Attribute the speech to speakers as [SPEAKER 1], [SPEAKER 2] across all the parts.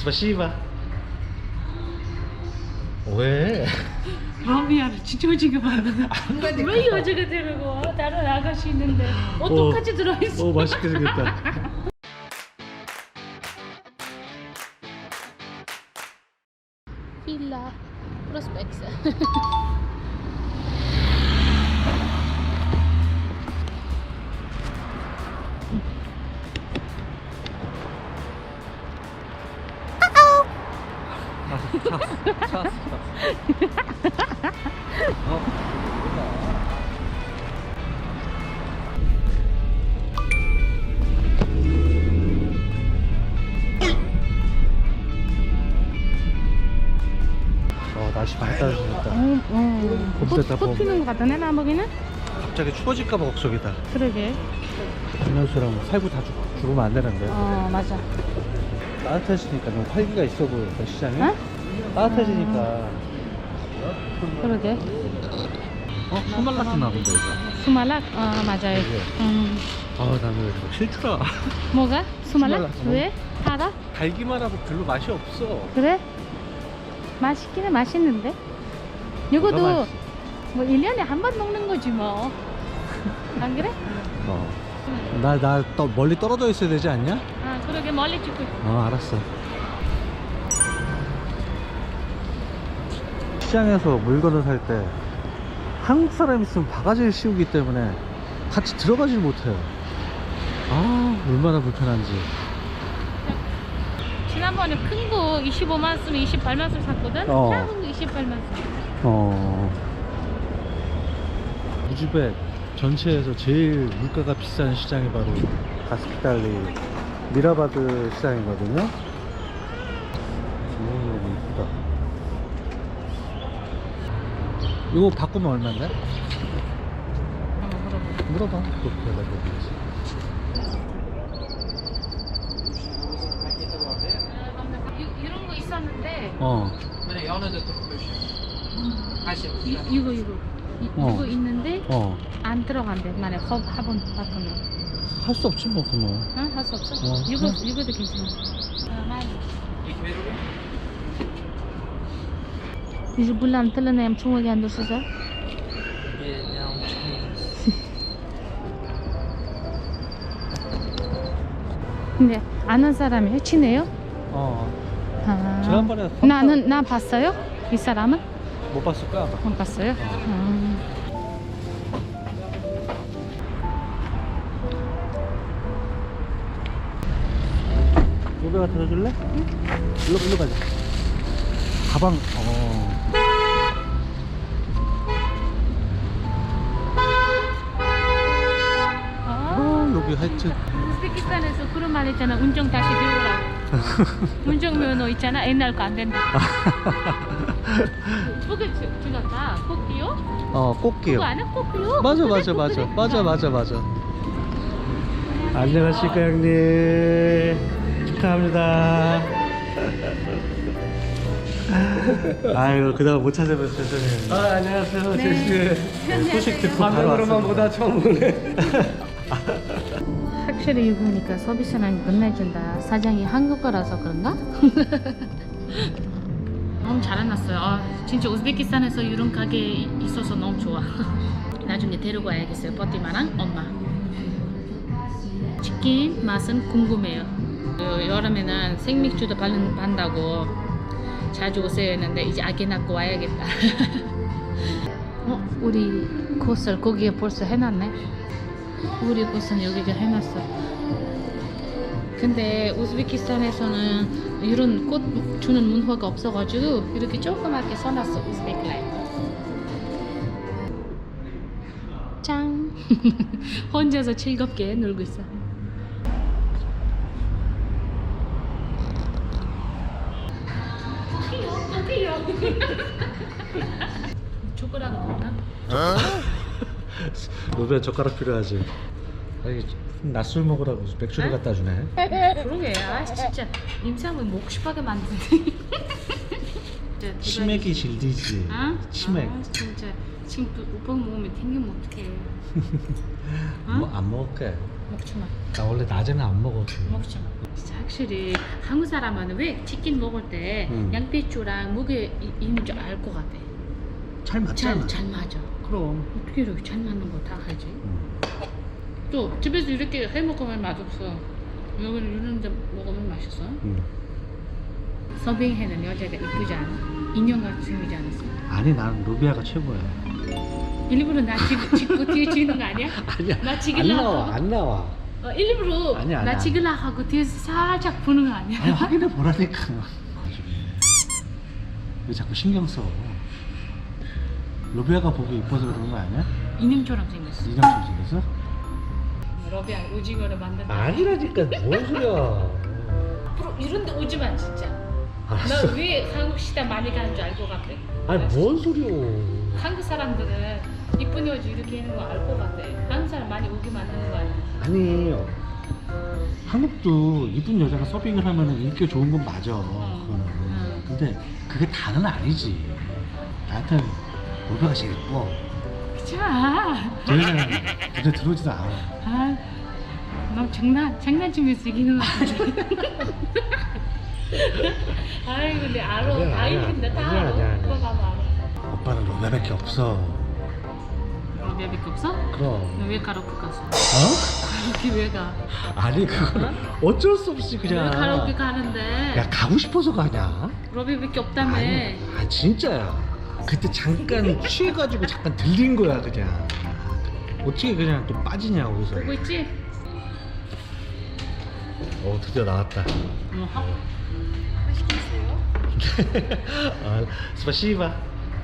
[SPEAKER 1] 스파시바. 왜?
[SPEAKER 2] 러비아를 지쳐지게 만드는.
[SPEAKER 1] 안 가니까.
[SPEAKER 2] 왜 여자가 데리고 와? 다른 아가씨 있는데 어떡하지 들어있어.
[SPEAKER 1] 오, 맛있게 생겼다.
[SPEAKER 2] Villa Prospects.
[SPEAKER 1] 찾았어. 날씨 많이 따뜻해졌다. 봄됐다, 봄.
[SPEAKER 2] 꽃 피는 것 같다네 나무기는?
[SPEAKER 1] 갑자기 추워질까봐 걱정이다.
[SPEAKER 2] 그러게.
[SPEAKER 1] 김현수랑 살구 다 죽으면 안 되는데.
[SPEAKER 2] 맞아.
[SPEAKER 1] 따뜻해지니까 너무 활기가 있어 보여, 시장이.
[SPEAKER 2] 어?
[SPEAKER 1] 따뜻해지니까.
[SPEAKER 2] 그러게.
[SPEAKER 1] 수말라키나 본데, 이거.
[SPEAKER 2] 수말락? 맞아요.
[SPEAKER 1] 나는 왜 실추라.
[SPEAKER 2] 뭐가? 수말락?
[SPEAKER 1] 수말락.
[SPEAKER 2] 왜? 달아?
[SPEAKER 1] 달기만 하고 별로 맛이 없어.
[SPEAKER 2] 그래? 맛있기는 맛있는데? 이것도
[SPEAKER 1] 맛있어.
[SPEAKER 2] 뭐 1년에 한 번 먹는 거지 뭐. 안 그래?
[SPEAKER 1] 나 멀리 떨어져 있어야 되지 않냐?
[SPEAKER 2] 그러게 멀리 찍고.
[SPEAKER 1] 알았어. 시장에서 물건을 살 때 한국 사람 있으면 바가지를 씌우기 때문에 같이 들어가질 못해요. 얼마나 불편한지.
[SPEAKER 2] 지난번에 큰 거 25만 쓰면 28만 원 샀거든? 작은 거 28만 원.
[SPEAKER 1] 우즈벡 전체에서 제일 물가가 비싼 시장이 바로 가스피탈리 미라바드 시장이거든요. 너무 이쁘다. 이거 바꾸면 얼마인데? 물어봐. 그렇게 해가지고.
[SPEAKER 2] 이런 거 있었는데 이거 있는데 안 들어간대. 만약 화분 바꾸면
[SPEAKER 1] 할 수 없지 뭐 그거.
[SPEAKER 2] 할 수 없어? 이거도 괜찮아. 많이. 이제 불남 틀려내 em chung again được sao? 근데 아는 사람이에요? 친해요?
[SPEAKER 1] 지난번에
[SPEAKER 2] 나 봤어요? 이 사람은?
[SPEAKER 1] 못 봤을 거야 아마.
[SPEAKER 2] 못 봤어요?
[SPEAKER 1] 노배가 들어줄래? 응? 일로 가자. 가방. 여기 하여튼
[SPEAKER 2] 우즈베키스탄에서 그런 말 있잖아. 운전 다시 배우라고. 운전면허 있잖아. 옛날 거 안 된다. 그게 죽었다. 꽃기요?
[SPEAKER 1] 꽃게요.
[SPEAKER 2] 그거 아는 꽃기요?
[SPEAKER 1] 맞아. 안녕하십니까 형님. 축하합니다. 아이고 그동안 못 찾아뵈서 죄송해요.
[SPEAKER 3] 안녕하세요. 제시.
[SPEAKER 1] 소식 듣고 바로
[SPEAKER 3] 화면으로만
[SPEAKER 1] 왔습니다.
[SPEAKER 3] 보다 처음 보네.
[SPEAKER 2] 확실히 이거니까 서비스는 끝내준다. 사장이 한국어라서 그런가? 너무 잘 해놨어요. 진짜 우즈베키스탄에서 이런 가게 있어서 너무 좋아. 나중에 데리고 와야겠어요. 버티마랑 엄마. 치킨 맛은 궁금해요. 여름에는 생맥주도 반다고 자주 오세요 했는데 이제 아기 낳고 와야겠다. 우리 코스를 거기에 벌써 해놨네. 우리 곳은 여기가 해놨어. 근데 우즈베키스탄에서는 이런 꽃 주는 문화가 없어가지고 이렇게 조그맣게 써놨어. 우즈베크 라이프. 짱. 혼자서 즐겁게 놀고 있어. 귀여워. 초콜릿 먹나?
[SPEAKER 1] 노배 젓가락 필요하지. 낮술 먹으라고 맥주를 갖다 주네.
[SPEAKER 2] 그러게. 진짜 임상은 먹고 싶하게 만드네.
[SPEAKER 1] 치맥이 질리지. 치맥.
[SPEAKER 2] 진짜 지금 또 오빠 먹으면 땡기면 어떡해.
[SPEAKER 1] 뭐 안 먹을게.
[SPEAKER 2] 먹지 마.
[SPEAKER 1] 나 원래 낮에는 안 먹어.
[SPEAKER 2] 먹지 마. 진짜 확실히 한국 사람은 왜 치킨 먹을 때 양배추랑 무게 있는 줄 알 것 같아.
[SPEAKER 1] 잘 맞잖아.
[SPEAKER 2] 잘 맞아.
[SPEAKER 1] 그럼.
[SPEAKER 2] 어떻게 이렇게 잘 맞는 거 다 하지? 또 집에서 이렇게 해 먹으면 맛없어. 여기는 이런 데 먹으면 맛있어. 서빙해는 여자가 이쁘지 않아? 인형같이 생기지 않았어?
[SPEAKER 1] 아니 나는 루비아가 최고야.
[SPEAKER 2] 일부러 나 찍고 뒤에 찍는 거 아니야?
[SPEAKER 1] 아니야.
[SPEAKER 2] 나
[SPEAKER 1] 안
[SPEAKER 2] 찍으려고.
[SPEAKER 1] 나와. 안 나와.
[SPEAKER 2] 일부러
[SPEAKER 1] 아니야,
[SPEAKER 2] 나
[SPEAKER 1] 아니야.
[SPEAKER 2] 찍으려고 하고 뒤에서 살짝 보는 거 아니야?
[SPEAKER 1] 아니 확인해 보라니까. 왜 자꾸 신경 써? 루비아가 보기 이뻐서 그런 거 아니야?
[SPEAKER 2] 인형처럼 생겼어.
[SPEAKER 1] 인형처럼 생겼어?
[SPEAKER 2] 러비아 오징어를 만든다.
[SPEAKER 1] 아니라니까 뭔 소리야.
[SPEAKER 2] 앞으로 이런 데 오지 마 진짜.
[SPEAKER 1] 알았어.
[SPEAKER 2] 나 왜 한국 시대 많이 가는 줄 알 것 같아.
[SPEAKER 1] 아니 뭔 소리야.
[SPEAKER 2] 한국 사람들은 이쁜 여자 이렇게 하는 거 알 것 같아. 한국 사람 많이 오게 만드는 거 아니야?
[SPEAKER 1] 아니 한국도 이쁜 여자가 서빙을 하면 인기가 좋은 건 맞아. 그거는. 근데 그게 다는 아니지. 나한테는 루비아가 제일 예뻐.
[SPEAKER 2] 그치 마.
[SPEAKER 1] 저 여자는 눈에 들어오지도 않아.
[SPEAKER 2] 아, 너 장난치면서 이기는 거 같아. 아이 근데 알아.
[SPEAKER 1] 아니야,
[SPEAKER 2] 다
[SPEAKER 1] 아니야.
[SPEAKER 2] 이긴다. 다
[SPEAKER 1] 아니야,
[SPEAKER 2] 알아.
[SPEAKER 1] 아니야, 아니야.
[SPEAKER 2] 오빠 봐봐 알아.
[SPEAKER 1] 오빠는 루비아밖에 없어.
[SPEAKER 2] 러비아밖에 없어?
[SPEAKER 1] 그럼.
[SPEAKER 2] 너 왜 가로크 갔어?
[SPEAKER 1] 어?
[SPEAKER 2] 가로크 왜 가?
[SPEAKER 1] 아니 그거는 어쩔 수 없이 그냥.
[SPEAKER 2] 왜 가로크 가는데?
[SPEAKER 1] 야 가고 싶어서 가냐?
[SPEAKER 2] 러비아밖에 없다며.
[SPEAKER 1] 아니 진짜야. 그때 잠깐 취해가지고 잠깐 들린 거야 그냥. 어떻게 그냥 또 빠지냐 거기서.
[SPEAKER 2] 보고 있지?
[SPEAKER 1] 드디어 나왔다.
[SPEAKER 2] 맛있게 있어요?
[SPEAKER 1] 아, 스파시바.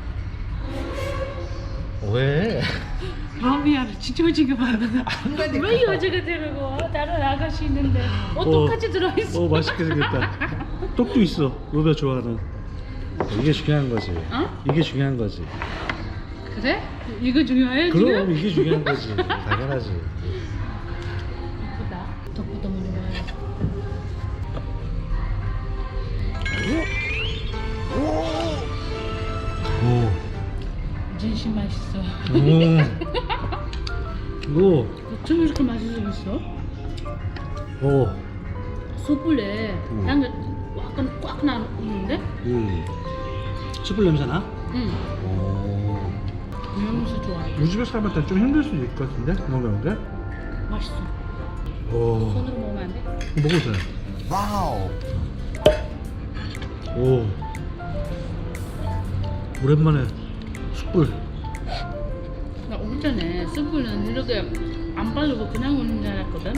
[SPEAKER 1] 왜?
[SPEAKER 2] 러비아를 지쳐지게 만드는.
[SPEAKER 1] 한가니까.
[SPEAKER 2] 왜 여자가 데리고 와? 다른 아가씨 있는데 어떡하지 들어있어?
[SPEAKER 1] 맛있게 생겼다. 떡도 있어. 루비아 좋아하는. 이게 중요한 거지.
[SPEAKER 2] 어?
[SPEAKER 1] 이게 중요한 거지.
[SPEAKER 2] 그래? 이거 중요해
[SPEAKER 1] 그럼
[SPEAKER 2] 지금?
[SPEAKER 1] 이게 중요한 거지. 당연하지.
[SPEAKER 2] 예쁘다. 떡부터 먼저 먹어야
[SPEAKER 1] 오.
[SPEAKER 2] 진심 맛있어.
[SPEAKER 1] 오.
[SPEAKER 2] 어쩜 이렇게 맛있어?
[SPEAKER 1] 오.
[SPEAKER 2] 숯불에 향이 약간 꽉 나는데?
[SPEAKER 1] 숯불 냄새 나?
[SPEAKER 2] 응.
[SPEAKER 1] 오.
[SPEAKER 2] 이러면서 좋아해.
[SPEAKER 1] 우리 집에 사람한테 좀 힘들 수도 있을 것 같은데? 먹는 게?
[SPEAKER 2] 맛있어.
[SPEAKER 1] 오.
[SPEAKER 2] 손으로 먹으면 안 돼?
[SPEAKER 1] 먹어도 돼. 와우. 오. 오랜만에 숯불.
[SPEAKER 2] 나 오기 전에 숯불은 이렇게 안 바르고 그냥 오는 줄 알았거든?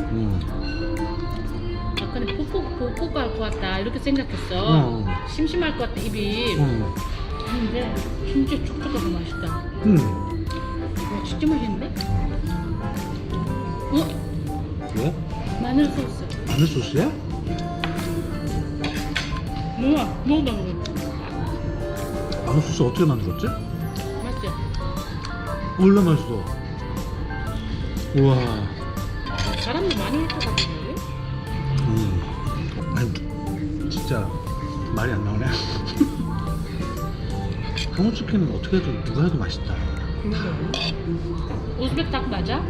[SPEAKER 2] 약간 뽀뽀 갈 것 같다 이렇게 생각했어. 심심할 것 같다 입이. 근데 진짜 촉촉하고 맛있다. 와 진짜 맛있는데? 어?
[SPEAKER 1] 왜?
[SPEAKER 2] 마늘 소스.
[SPEAKER 1] 마늘 소스야?
[SPEAKER 2] 먹어봐.
[SPEAKER 1] 마늘 소스 어떻게 만들었지?
[SPEAKER 2] 맛있지?
[SPEAKER 1] 원래 맛있어. 우와.
[SPEAKER 2] 사람도 많이 할 것 같은데?
[SPEAKER 1] 아니 진짜 말이 안 나오네. 한국 치킨은 어떻게 해도 누가 해도 맛있다.
[SPEAKER 2] 우즈벡 닭 맞아?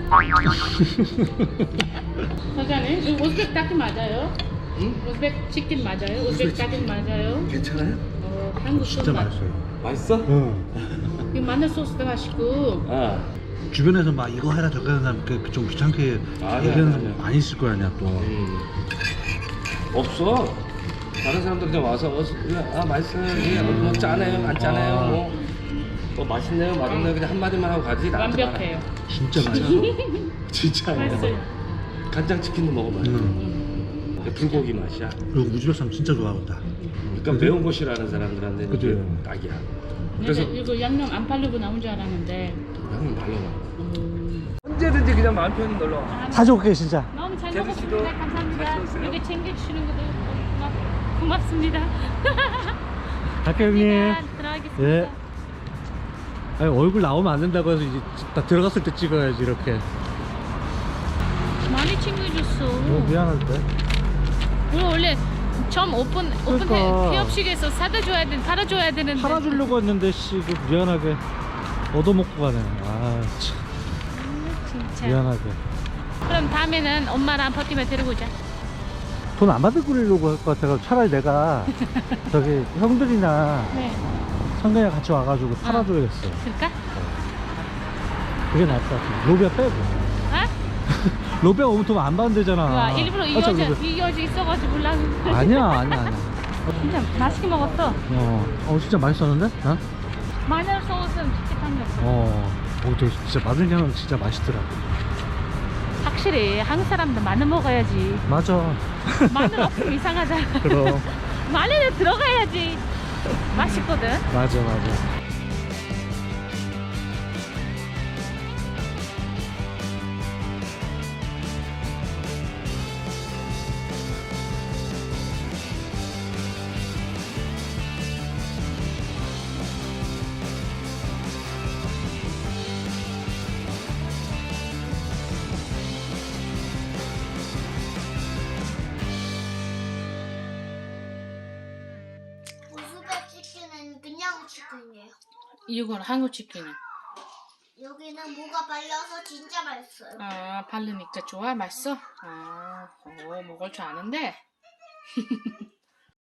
[SPEAKER 2] 사장님, 이거 우즈벡 닭이 맞아요?
[SPEAKER 3] 응?
[SPEAKER 2] 우즈벡 치킨 맞아요? 우즈벡 닭이 맞아요?
[SPEAKER 3] 괜찮아요?
[SPEAKER 2] 한국
[SPEAKER 1] 진짜
[SPEAKER 2] 소스
[SPEAKER 1] 맛있어요.
[SPEAKER 3] 맛있어?
[SPEAKER 1] 응.
[SPEAKER 2] 이 마늘 소스도 맛있고
[SPEAKER 3] 아,
[SPEAKER 1] 주변에서 막 이거 해라 저거 해라 좀 귀찮게
[SPEAKER 3] 아니야,
[SPEAKER 1] 얘기하는
[SPEAKER 3] 아니야.
[SPEAKER 1] 사람 많이 있을 거 아니야 또.
[SPEAKER 3] 없어. 다른 사람들 그냥 와서 맛있어요. 예, 뭐 짜네요, 안 짜네요. 뭐 맛있네요, 맛없네요. 그냥 한 마디만 하고 가지. 나한테
[SPEAKER 2] 완벽해요.
[SPEAKER 1] 진짜 맛있어. 진짜
[SPEAKER 2] 맛있어요.
[SPEAKER 3] 간장 치킨도 먹어봐요. 이게 불고기 맛이야.
[SPEAKER 1] 그리고 우즈벡 사람 진짜 좋아하겠다.
[SPEAKER 3] 그러니까 매운 거 싫어하는 사람들한테는 이게
[SPEAKER 1] 그죠.
[SPEAKER 3] 딱이야.
[SPEAKER 2] 그래서
[SPEAKER 3] 그래서
[SPEAKER 2] 이거 양념 안 팔려고 나온 줄 알았는데
[SPEAKER 3] 형은 날라와. 언제든지 그냥 마음 편히 놀러 와.
[SPEAKER 1] 자주 올게 진짜.
[SPEAKER 2] 너무 잘
[SPEAKER 3] 제주 씨도
[SPEAKER 2] 먹었습니다. 감사합니다.
[SPEAKER 3] 같이 오세요.
[SPEAKER 2] 여기 챙겨주시는 것도 고맙습니다.
[SPEAKER 1] 갈게요 형님.
[SPEAKER 2] 들어가겠습니다.
[SPEAKER 1] 예. 아니, 얼굴 나오면 안 된다고 해서 이제 딱 들어갔을 때 찍어야지 이렇게.
[SPEAKER 2] 많이 챙겨줬어.
[SPEAKER 1] 미안한데.
[SPEAKER 2] 우리 원래 처음 오픈
[SPEAKER 1] 그러니까.
[SPEAKER 2] 폐업식에서 팔아줘야 되는데.
[SPEAKER 1] 팔아주려고 했는데 씨 미안하게 얻어먹고 가네. 아 참.
[SPEAKER 2] 진짜.
[SPEAKER 1] 미안하게.
[SPEAKER 2] 그럼 다음에는 엄마랑 버티면 데리고 오자.
[SPEAKER 1] 돈 안 받을 끓이려고 할 것 같아서 차라리 내가 저기 형들이나
[SPEAKER 2] 네.
[SPEAKER 1] 성근이랑 같이 와가지고 팔아줘야겠어.
[SPEAKER 2] 그럴까?
[SPEAKER 1] 그게 나을 것 같아. 로비아 빼고.
[SPEAKER 2] 아?
[SPEAKER 1] 로비아 오면 돈 안 받는 데잖아.
[SPEAKER 2] 와, 일부러
[SPEAKER 1] 참, 로비아.
[SPEAKER 2] 이어져 있어가지고 몰랐는데.
[SPEAKER 1] 아니야.
[SPEAKER 2] 진짜 맛있게 먹었어.
[SPEAKER 1] 진짜 맛있었는데? 나?
[SPEAKER 2] 마늘 소스는 찝찝한 게 없어.
[SPEAKER 1] 되게 진짜 마늘 향은 진짜 맛있더라.
[SPEAKER 2] 확실히 한국 사람들 마늘 먹어야지.
[SPEAKER 1] 맞아.
[SPEAKER 2] 마늘 없으면 이상하잖아.
[SPEAKER 1] 그럼.
[SPEAKER 2] 마늘에 들어가야지 맛있거든.
[SPEAKER 1] 맞아.
[SPEAKER 4] 모스베 치킨은 그냥 치킨이에요.
[SPEAKER 2] 이건 한국 치킨은.
[SPEAKER 4] 여기는 뭐가 발려서 진짜 맛있어요.
[SPEAKER 2] 바르니까 좋아? 맛있어? 먹을 줄 아는데?